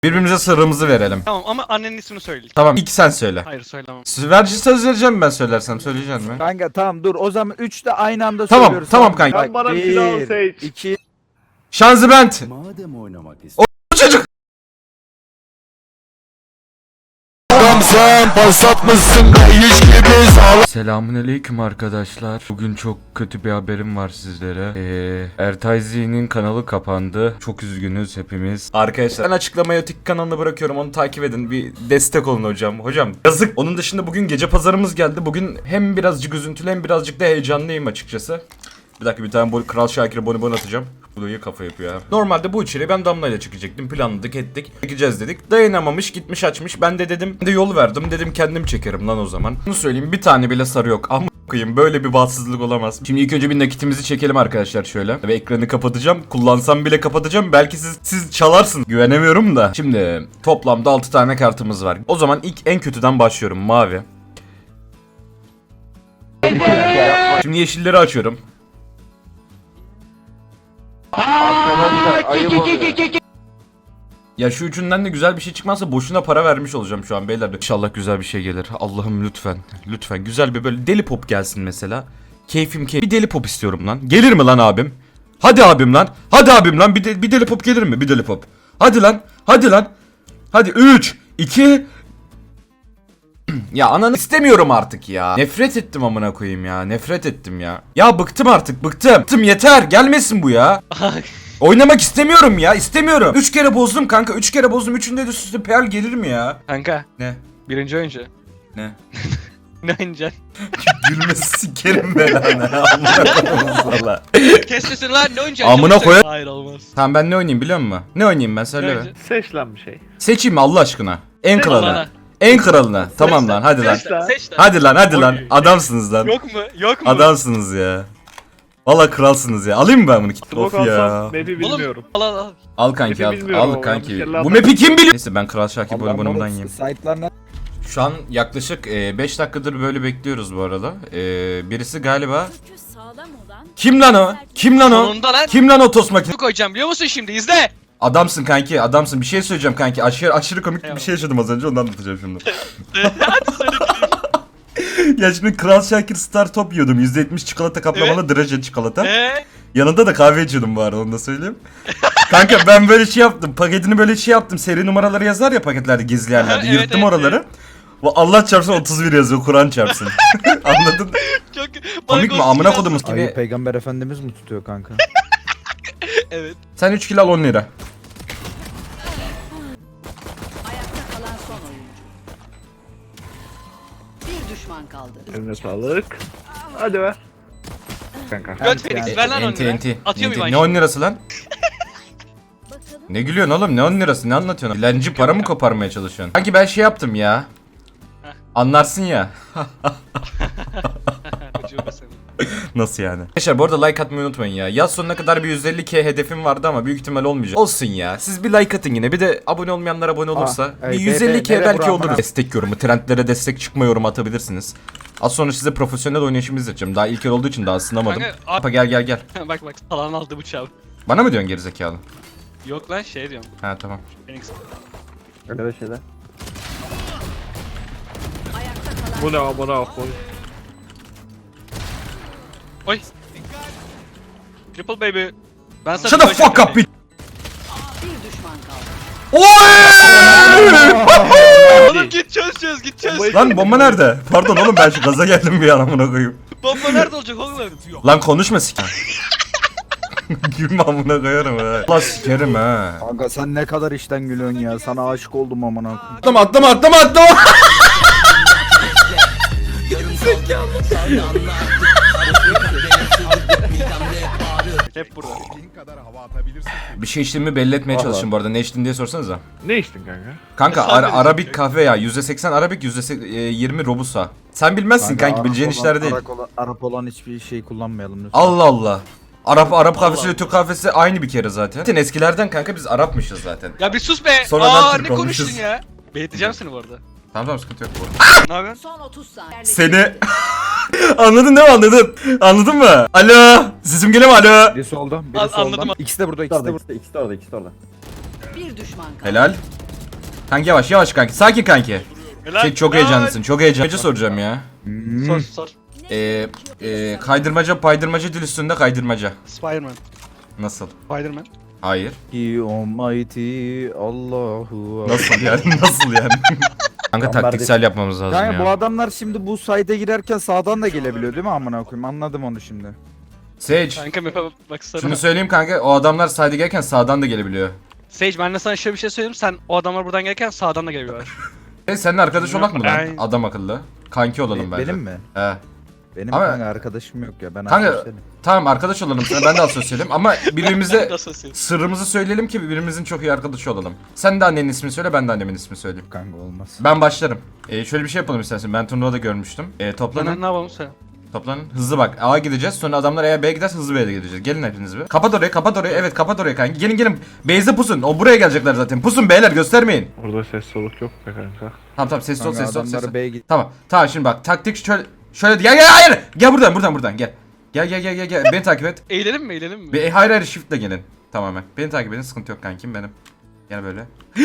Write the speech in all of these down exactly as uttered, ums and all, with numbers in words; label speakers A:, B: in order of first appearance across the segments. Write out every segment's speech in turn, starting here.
A: Birbirimize sırrımızı verelim.
B: Tamam ama annenin ismini söyle.
A: Tamam ilk sen söyle.
B: Hayır söylemem.
A: Verici söz vereceğim ben söylersem. Söyleyeceksin mi?
C: Kanka tamam dur o zaman üç de aynı anda
A: Tamam,
C: söylüyoruz.
A: tamam kanka.
C: Bak,
D: Sen bana bir silah seç.
C: iki,
A: Şanzibent.
E: Madem oynamak
A: O çocuk.
E: sen pas atmışsın hiç gibi sağlam.
A: Selamünaleyküm arkadaşlar. Bugün çok kötü bir haberim var sizlere. Ee, Ertayzi'nin kanalı kapandı. Çok üzgünüz hepimiz. Arkadaşlar ben açıklamaya Tik kanalına bırakıyorum. Onu takip edin. Bir destek olun hocam. Hocam yazık. Onun dışında bugün gece pazarımız geldi. Bugün hem birazcık üzüntülü hem birazcık da heyecanlıyım açıkçası. Bir dakika bir tane Kral Şakir'e bonibon atacağım. Bu da iyi kafa yapıyor ya. Normalde bu içeri ben Damla ile çıkacaktım. Planladık ettik. Çekeceğiz dedik. Dayanamamış gitmiş açmış. Ben de dedim. Ben de yol verdim. Dedim kendim çekerim lan o zaman. Bunu söyleyeyim bir tane bile sarı yok. Ama koyayım böyle bir bahtsızlık olamaz. Şimdi ilk önce bir nakitimizi çekelim arkadaşlar şöyle. Ve ekranı kapatacağım. Kullansam bile kapatacağım. Belki siz siz çalarsınız. Güvenemiyorum da. Şimdi toplamda altı tane kartımız var. O zaman ilk en kötüden başlıyorum. Mavi. Şimdi yeşilleri açıyorum. Ya şu üçünden de güzel bir şey çıkmazsa boşuna para vermiş olacağım şu an beyler. İnşallah güzel bir şey gelir. Allah'ım lütfen. Lütfen güzel bir böyle deli pop gelsin mesela. Keyfim keyif. Bir deli pop istiyorum lan. Gelir mi lan abim? Hadi abim lan. Hadi abim lan. Bir, de, bir deli pop gelir mi? Bir deli pop. Hadi lan. Hadi lan. Hadi üç, iki. Ya ananı istemiyorum artık ya. Nefret ettim amına koyayım ya. Nefret ettim ya. Ya bıktım artık bıktım. Bıktım yeter. Gelmesin bu ya. Oynamak istemiyorum ya. İstemiyorum. Üç kere bozdum kanka. Üç kere bozdum. Üçünde de üst üste P L gelir mi ya?
B: Kanka.
A: Ne?
B: Birinci oyuncu.
A: Ne?
B: Ne oynayacaksın?
A: Gülmesi sikerim belanı. Amına koyayım valla.
B: Kes sesini lan ne oynayacaksın?
A: Amına
B: Çabuk
A: koyar-
B: söyle. Hayır olmaz.
A: Tamam ben ne oynayayım biliyor musun? Ne oynayayım ben
B: Ne
A: söyle be.
B: oynayacaksın?
D: Seç lan bir şey.
A: Seçeyim mi Allah aşkına? En
B: Seç
A: kralını.
B: bana.
A: En kralını. Tamam lan hadi lan.
B: Seç lan. Seç lan.
A: Hadi lan hadi lan. Adamsınız lan.
B: Yok mu? Yok mu?
A: Adamsınız ya. Valla kralsınız ya. Alayım mı ben bunu? Of
D: Smoke
A: ya.
D: alsam map'i bilmiyorum.
B: Al al al.
A: Al kanki al.
D: Map'i bilmiyorum
A: Al
D: ama
A: kanki.
D: bir kere
A: Bu
D: lazım.
A: map'i kim biliyor? Neyse ben Kral Şakir
C: Allah'ım
A: bonibonumdan
C: orası
A: yiyeyim.
C: site'lar ne?
A: Şu an yaklaşık beş dakikadır böyle bekliyoruz bu arada. E, birisi galiba... Kim lan o? Kim lan o?
B: Sonunda lan.
A: Kim lan o tost makinesi?
B: Ne koyacağım biliyor musun şimdi izle.
A: Adamsın kanki adamsın. Bir şey söyleyeceğim kanki. Aşırı, aşırı komik bir
B: Eyvallah.
A: şey yaşadım az önce ondan anlatacağım şimdi.
B: Hadi söyle gideyim.
A: Ya şimdi Kral Şakir Star Top yiyordum. yüzde yetmiş çikolata kaplamalı draje çikolata.
B: Eee?
A: Yanında da kahve içiyordum bu arada onu da söyleyeyim. Kanka ben böyle şey yaptım. Paketini böyle şey yaptım. Seri numaraları yazar ya paketlerde gizli yerlerde.
B: Evet,
A: Yırttım
B: evet,
A: oraları.
B: evet.
A: Bu Allah çarpsın otuz bir yazıyor. Kur'an çarpsın. Anladın?
B: Çok
A: Komik mi?
B: Bana
A: Amına
B: ghost
A: kodumuz
C: Ayı
A: gibi.
C: peygamber efendimiz mi tutuyor kanka?
B: Evet.
A: Sen üç kilo al on lira.
F: Ayakta kalan son oyuncu. Bir düşman kaldı.
D: Eline sağlık. Hadi ver. Kanka.
B: Göt Felix ver lan onu.
A: Enti enti.
B: Atıyor
A: Enti.
B: muyum
A: Ne
B: ben
A: on lirası lan? Ne gülüyorsun oğlum? Ne on lirası? Ne anlatıyorsun? Dilenci para mı koparmaya çalışıyorsun? Sanki ben şey yaptım ya. Anlarsın ya.
B: şimdi?
A: Nasıl yani? Arkadaşlar bu arada like atmayı unutmayın ya. Yaz sonuna kadar bir yüz elli K hedefim vardı ama büyük ihtimal olmayacak. Olsun ya. Siz bir like atın yine. Bir de abone olmayanlar abone olursa.
C: Aa, evet,
A: bir yüz elli K
C: nere
A: belki
C: buram
A: olur.
C: bana?
A: Destek yorumu. Trendlere destek çıkma yorumu atabilirsiniz. Az sonra size profesyonel oynayışımı izleteceğim. Daha ilk yer olduğu için daha ısınamadım.
B: Kanka,
A: Apa gel gel gel.
B: bak bak falan aldı bıçağı.
A: Bana mı diyorsun gerizekalı?
B: Yok lan şey diyorum.
A: Ha tamam.
B: Phoenix.
D: Öyle bir şeyler.
F: Ayakta kalan
D: Bu ne amına koy.
B: Oy. Triple baby. Ben sana
A: Shut the
B: söyleyeceğim
A: fuck up
B: yani.
A: bitch.
F: bir düşman kaldı.
A: Oy!
B: Oğlum git çöz çöz git çöz.
A: Lan bomba nerede? Pardon oğlum ben şu gaza geldim bir an amına koyayım.
B: Bomba nerede olacak oğlum?
A: Lan konuşma siker. Gülme amına koyarım ha. Allah sikerim ha.
C: Kanka sen ne kadar işten gülüyorsun ya. Sana aşık oldum amına koyayım.
A: Atlama atlama atlama atlama.
B: Hep burada.
A: Bir şey içtiğimi belli etmeye çalışın bu arada. Ne içtin diye sorsanıza.
D: Ne içtin kanka?
A: Kanka
B: Sadece
A: ara, Arabik
B: şey.
A: kahve ya. yüzde seksen Arabik, yüzde yirmi Robusta. Sen bilmezsin kanki,
C: Arap
A: bileceğin
C: olan-
A: işler değil.
C: Arap olan, Arap olan hiçbir şey kullanmayalım lütfen.
A: Allah Allah. Arap Arap kahvesi
B: Allah.
A: ile Türk kahvesi aynı bir kere zaten. Zaten eskilerden kanka biz Arapmışız zaten.
B: Ya bir sus be.
A: Sonradan
B: Aa
A: Türk
B: ne
A: olmuşuz.
B: konuştun ya? Beğiteceğim seni bu arada.
A: Tamam tamam sıkıntı yok bu arada.
B: Ne yapıyorsun?
F: Son otuz saniye.
A: Seni... Anladın değil mi anladın? Anladın mı? Alo. Sesim geliyor mu alo?
C: Biri solda, biri
B: An-
C: solda.
B: anladım.
C: İkisi de burada, ikisi de burada.
E: İkisi de orada ikisi de orada.
F: Bir düşman kaldı.
A: Helal. Kanki yavaş yavaş kanki. Sakin kanki.
B: Helal.
A: Şey çok
B: Helal.
A: heyecanlısın. Çok heyecanlı soracağım ya.
B: Sor sor.
A: Ee, e, kaydırmaca paydırmaca dil üstünde kaydırmaca.
B: Spiderman.
A: Nasıl?
B: Spiderman.
A: Hayır.
C: He almighty Allahu.
A: Nasıl yani? Nasıl yani? Kanka
C: Tamam,
A: taktiksel yapmamız lazım
C: Kanka bu
A: ya.
C: adamlar şimdi bu site'e girerken sağdan da gelebiliyor değil mi amına koyayım? Anladım onu şimdi.
A: Sage.
B: Kanka map'e baksana.
A: Şunu söyleyeyim kanka. O adamlar sayda gelirken sağdan da gelebiliyor.
B: Sage ben de sana şöyle bir şey söyleyeyim. Sen o adamlar buradan gelirken sağdan da geliyorlar.
A: E seninle arkadaş olak mı lan?
B: Aynen.
A: Adam akıllı. Kanki olalım
C: Be-
A: bence.
C: benim mi?
A: He.
C: Benim
A: Ama-
C: kanka arkadaşım yok ya. Ben
A: Kanka-
C: arkadaşlarım.
A: Tamam arkadaş olalım sana, ben de asosyalim ama birbirimize
B: Nasıl ses?
A: sırrımızı söyleyelim ki birbirimizin çok iyi arkadaşı olalım. Sen de annenin ismini söyle, ben de annemin ismini söyleyeyim.
C: Kanka olmaz.
A: Ben başlarım. Ee, şöyle bir şey yapalım istersen. Ben turnuvada görmüştüm. Ee, toplanın.
B: Lan ne yapalım sen?
A: Toplanın. Hızlı bak. A'ya gideceğiz. Sonra adamlar eğer B'ye giderse hızlı B'ye de gideceğiz. Gelin hepiniz bir. Kapat orayı, kapat orayı. Evet, kapat orayı kanka. Gelin gelin. Base'e pusun. O buraya gelecekler zaten. Pusun beyler, göstermeyin.
D: Orada ses soluk yok be kanka.
A: Tamam tamam, sessiz ol,
C: Kanka
A: sessiz ol, sessiz ol.
C: adamları B'ye git.
A: Tamam. Tamam şimdi bak. Taktik şöyle şöyle gel gel hayır. Gel buradan buradan buradan gel. Gel gel gel gel gel. Beni takip et.
B: Eğlenelim mi eğlenelim mi?
A: Be hayır hayır shift'le gelin. Tamamen. Beni takip edin. Sıkıntı yok kankim benim. Gel böyle.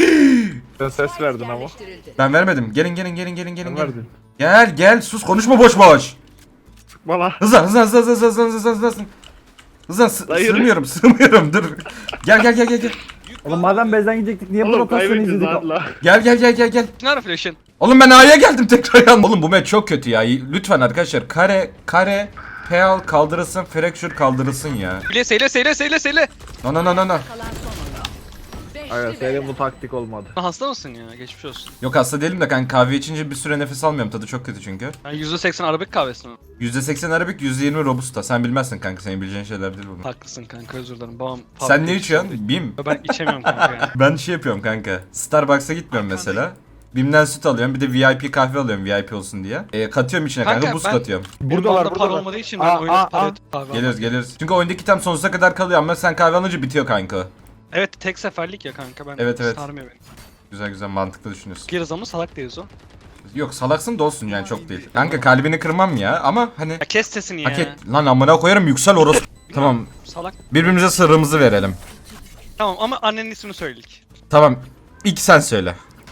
D: Sen ses verdin ama.
F: Yerleştirildi.
A: Ben vermedim. Gelin gelin gelin gelin gelin.
D: Sen
A: gelin.
D: verdin.
A: Gel gel sus konuşma boş boş.
D: Sıkma lan.
A: Hızlan hızlan hızlan hızlan hızlan hızlan hızlan hızlan. Hızlan sı-
D: Hayır.
A: sığmıyorum sığmıyorum dur. Gel gel gel gel gel.
G: Oğlum madem bezden gidecektik niye bu
D: Oğlum
G: rotasyonu
D: kaybedeceğiz
G: izledik?
D: lan la.
A: Gel gel gel gel gel.
B: Ne ara flash'ın?
A: Oğlum ben A'ya geldim tekrar yan. Oğlum bu match çok kötü ya. Lütfen arkadaşlar kare kare Peal kaldırılsın, Fracture kaldırılsın ya.
B: Bile seyle seyle seyle seyle.
A: No no no no no.
F: Kalan son oyun. Beşli
D: Aynen
F: ve
D: senin bu taktik olmadı.
B: Hasta mısın ya? Geçmiş olsun.
A: Yok hasta değilim de kanka kahve içince bir süre nefes almıyorum. Tadı çok kötü çünkü.
B: Yani yüzde seksen Arabik kahvesi mi?
A: yüzde seksen Arabik, yüzde yirmi Robusta. Sen bilmezsin kanka. Senin bileceğin şeyler değil bunlar.
B: Haklısın kanka özür dilerim. Babam
A: Sen ne içiyorsun? Bim.
B: Ben içemiyorum kanka yani.
A: Ben şey yapıyorum kanka. Starbucks'a gitmiyorum mesela. Bim'den süt alıyorum. Bir de V I P kahve alıyorum V I P olsun diye. E, katıyorum içine kanka,
B: Kanka,
A: buz
B: ben-
A: katıyorum.
B: Buradalar
C: Buradalar
B: para
C: buradalar.
B: olmadığı için ben
C: Aa,
B: oyuna
C: aa,
B: para
C: aa.
B: ödeyip kahve
A: Geliyoruz geliyoruz. Çünkü oyundaki tam sonsuza kadar kalıyor ama sen kahve alınca bitiyor kanka.
B: Evet tek seferlik ya kanka ben
A: Evet, evet.
B: sarmıyor beni.
A: Güzel güzel mantıklı düşünüyorsun.
B: Geriz ama salak değiliz o.
A: Yok salaksın da olsun yani çok değil. Kanka kalbini kırmam ya ama hani
B: Ya kes sesini ya.
A: hak et. Lan amına koyarım yüksel orası. Tamam.
B: Salak.
A: Birbirimize sırrımızı verelim.
B: Tamam ama annenin ismini söyledik.
A: Tamam. İlk sen söyle.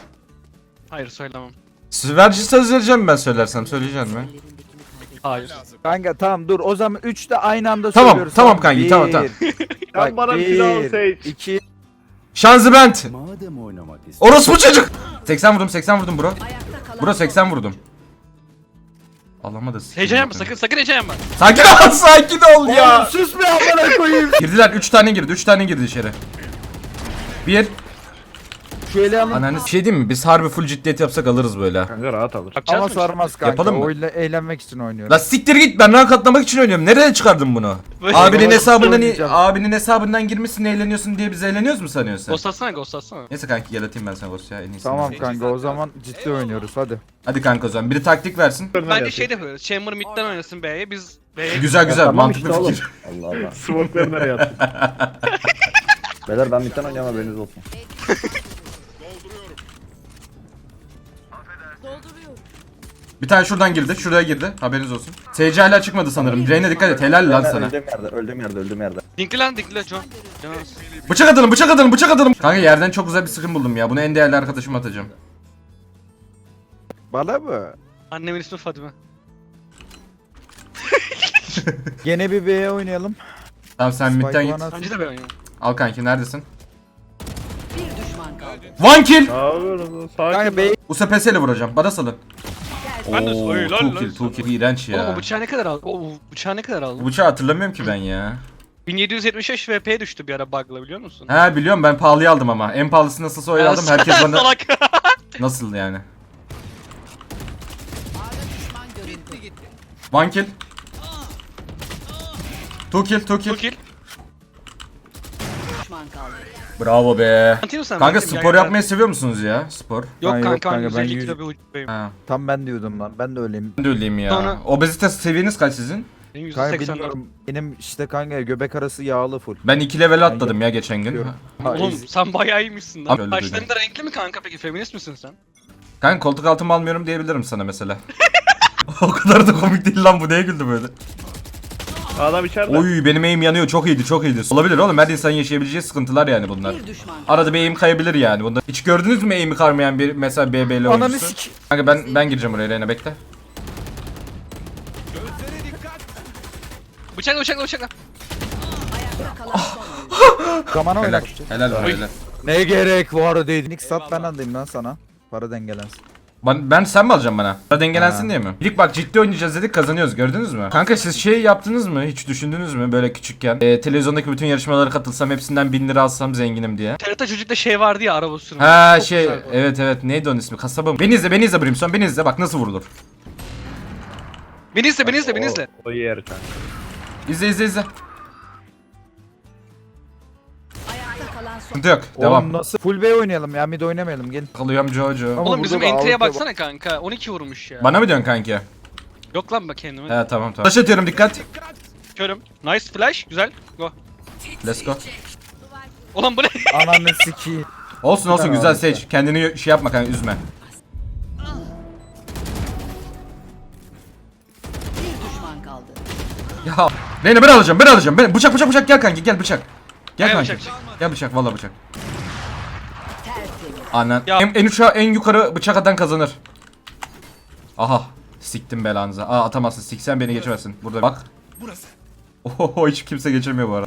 B: Hayır söylemem.
A: Verci söz vereceğim ben söylersem. Söyleyeceğim mi?
B: Hayır.
C: Kanka tamam dur o zaman üç de aynı anda
A: Tamam,
C: söylüyoruz.
A: tamam kanki, tamam, tamam.
D: Sen bana bir silah al Sage.
C: iki,
A: Şanzibent.
E: Madem oynamak istiyorsun.
A: Orospu çocuk. seksen vurdum seksen vurdum bro.
F: ayakta kalan
A: Bro
F: son
A: seksen vurdum. Allah'ıma da sikeyim
B: Heyecan yapma
A: bakayım.
B: sakın sakın heyecan yapma.
A: Sakin ol sakin ol ya.
C: Oğlum sus be amına koyayım.
A: Girdiler üç tane girdi üç tane girdi içeri. Bir.
C: Şu eli alın.
A: Ananı bir şey diyeyim mi? Biz harbi full ciddiyet yapsak alırız böyle.
D: Kanka rahat alır.
B: Bakacağız
C: Ama
B: mı işte?
C: sarmaz kanka.
A: Yapalım mı?
C: Oyla eğlenmek için oynuyorum.
A: La siktir git ben rank atlamak için oynuyorum. Nereden çıkardın bunu?
B: Böyle-
A: Abinin
C: Böyle
A: hesabından
C: oynayacağım.
A: abinin hesabından girmişsin eğleniyorsun diye biz eğleniyoruz mu sanıyorsun?
B: Ghost atsana ghost atsana.
A: Neyse kanki gel atayım ben sana Ghost ya en iyisi.
C: Tamam kanka o zaman ciddi oynuyoruz hadi.
A: Hadi kanka o zaman biri taktik versin.
B: Bence şey de yapıyoruz. Chamber midden oynasın B'ye biz B'ye
A: Güzel güzel
G: Tamam
A: mantıklı
G: işte oğlum.
A: fikir.
G: Allah Allah.
D: Smoke'ları nereye attın?
G: Beyler ben bitten oynayamam haberiniz olsun.
A: Bir tane şuradan girdi şuraya girdi haberiniz olsun. S C hala çıkmadı sanırım. Reyna dikkat et helal lan
G: Ben
A: sana.
G: öldüğüm yerde, öldüğüm yerde, öldüğüm yerde.
B: Dinkli lan dinkli lan John. John.
A: Bıçak atalım bıçak atalım bıçak atalım. Kanka yerden çok güzel bir skin buldum ya. Bunu en değerli arkadaşıma atacağım.
C: Bana mı?
B: Annemin ismi Fadime.
C: Gene bir B'ye oynayalım.
A: Tamam sen
C: Spike
A: midden git.
C: bana at.
B: Bence de ben oynuyorum.
A: Al kanki neredesin?
F: bir düşman kaldı.
A: One kill.
D: Ne yapıyorsun? Sakin
C: Kanka
D: ol.
C: B'ye
A: Bu sepesiyle vuracağım. Bana salın.
B: Ben de
A: Oo,
B: Oy, lan,
A: two
B: lan.
A: kill, two kill. İğrenç
B: Oğlum o
A: ya.
B: bıçağı ne kadar aldın? O bıçağı ne kadar
A: Bu
B: aldın?
A: bıçağı hatırlamıyorum ki ben ya.
B: bin yedi yüz yetmiş beş V P'ye düştü bir ara bug'la biliyor musun?
A: He biliyorum ben pahalıya aldım ama. En pahalısı nasılsa öyle aldım. Herkes bana
B: Salak.
A: nasıl yani?
F: Ağda düşman görüldü.
A: One kill. Two kill, two
B: Bu
A: kill.
B: kill.
F: Düşman kaldı.
A: Bravo be.
B: Anlatayım mı sen?
A: Kanka
B: Anlatayım,
A: spor
B: gel, gel.
A: yapmayı seviyor musunuz ya? Spor.
B: Yok
C: Ha, yok
B: kanka,
C: kanka,
B: ben
C: ben
B: yüz elli
C: yüz-
B: kilo bir uçtayım.
A: Ha.
C: tam ben diyordum lan. Ben de öyleyim.
A: Ben de öyleyim ya.
B: Sonra-
A: Obezite seviyeniz kaç sizin?
B: Benim yüzde
C: Kanka
B: seksen dört.
C: bilmiyorum. Benim işte kanka göbek arası yağlı full.
A: Ben iki level atladım ya geçen gün.
C: Diyorum.
B: Oğlum sen bayağı iyiymişsin
A: Abi
B: lan.
A: öyle
B: Başların da renkli mi kanka peki? Feminist misin sen?
A: Kanka koltuk altımı almıyorum diyebilirim sana mesela. O kadar da komik değil lan bu, neye güldü böyle?
D: Adam içeride.
A: Oy benim aim yanıyor, çok iyiydi çok iyiydi. Olabilir oğlum, her insanın yaşayabileceği sıkıntılar yani bunlar.
F: Bir düşman kaldı.
A: Arada bir aim kayabilir yani bunda. Hiç gördünüz mü aim'i karmayan bir mesela B B'li
C: Ananı
A: oyuncusu?
C: sik.
A: Kanka ben ben gireceğim oraya, Reyna bekle.
B: Bıçakla bıçakla bıçakla.
F: Ayakta kalan son oyuncu.
C: Zamana
A: Helal.
C: oynar.
A: Helal var helal.
C: Ne gerek var dedi. Nick sat ben alayım lan sana. Para dengelensin.
A: Ben, ben sen mi alacaksın bana? Para dengelensin
C: Ha.
A: diye mi? İlk bak ciddi oynayacağız dedik, kazanıyoruz, gördünüz mü? Kanka siz şey yaptınız mı? Hiç düşündünüz mü böyle küçükken? Ee, televizyondaki bütün yarışmalara katılsam, hepsinden bin lira alsam zenginim diye.
B: T R T çocukta şey vardı ya, araba sürümü.
A: Ha
B: Çok
A: şey
B: güzel bu.
A: evet evet, neydi onun ismi? Kasaba mı? Beni izle beni izle Brimstone, beni izle bak nasıl vurulur.
B: Beni izle beni izle beni izle.
D: O, o yer kanka.
A: İzle izle izle.
F: Ayakta kalan son.
A: Sıkıntı yok.
C: Oğlum
A: Devam.
C: nasıl? Full B oynayalım ya, mid oynamayalım gelin.
A: Kalıyorum Jojo.
C: Ama
B: Oğlum bizim
C: burada da
B: entry'e
C: Avrupa-
B: baksana kanka. on iki vurmuş ya.
A: Bana mı diyorsun kanki?
B: Yok lan bak kendime.
A: He tamam tamam. Taş atıyorum, dikkat.
B: Körüm. Nice flash. Güzel. Go.
A: Let's go.
B: Ulan bu ne?
C: Ananı siki.
A: Olsun olsun,
C: Tamam,
A: güzel
C: abi.
A: Sage. Kendini şey yapma kanka, üzme.
F: Bir düşman kaldı.
A: Ya Reyna ben alacağım ben alacağım. Ben bıçak bıçak bıçak gel kanki, gel bıçak. Gel
B: Gel
A: kanki.
B: bıçak.
A: Gel bıçak, vallahi bıçak.
F: Tertemiz.
A: Annen.
B: Ya-
A: En, en uçağa en yukarı bıçak atan kazanır. Aha. Siktim belanıza. Aa atamazsın. Siksen beni geçemezsin. Burada bak. Burası. Oho hiç kimse geçemiyor bu arada.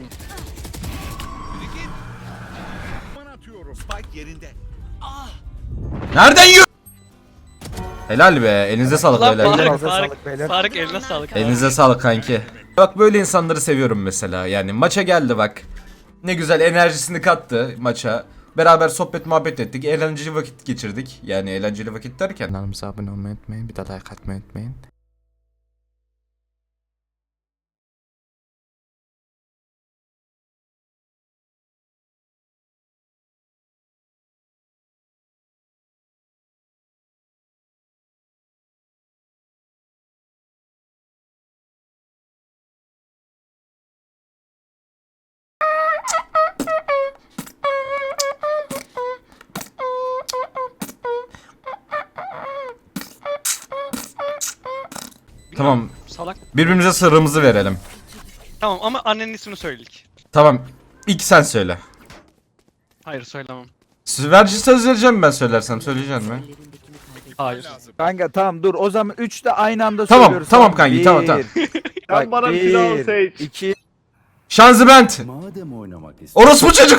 A: Nereden yiyor? Helal be. Elinize sağlık
B: Ulan
A: beyler.
B: Tarık,
C: Elinize
B: Tarık,
C: sağlık beyler.
B: Tarık eline sağlık.
A: Elinize sağlık kanki. Bak böyle insanları seviyorum mesela. Yani maça geldi bak. Ne güzel enerjisini kattı maça. Beraber sohbet muhabbet ettik. Eğlenceli vakit geçirdik. Yani eğlenceli vakit derken. Kanalımıza abone olmayı unutmayın. Bir de like atmayı unutmayın. Tamam.
B: Salak.
A: Birbirimize sırrımızı verelim.
B: Tamam ama annenin ismini söyledik.
A: Tamam. İlk sen söyle.
B: Hayır söylemem.
A: Verci söz vereceğim ben söylersem. Söyleyeceksin mi?
B: Hayır.
C: Kanka tamam dur o zaman üç de aynı anda
A: Tamam,
C: söylüyoruz.
A: tamam kanki, tamam, tamam.
D: Sen bana bir silah al Sage.
C: iki
A: Şanzibent.
E: Madem oynamak istiyorsun.
A: Orospu çocuk.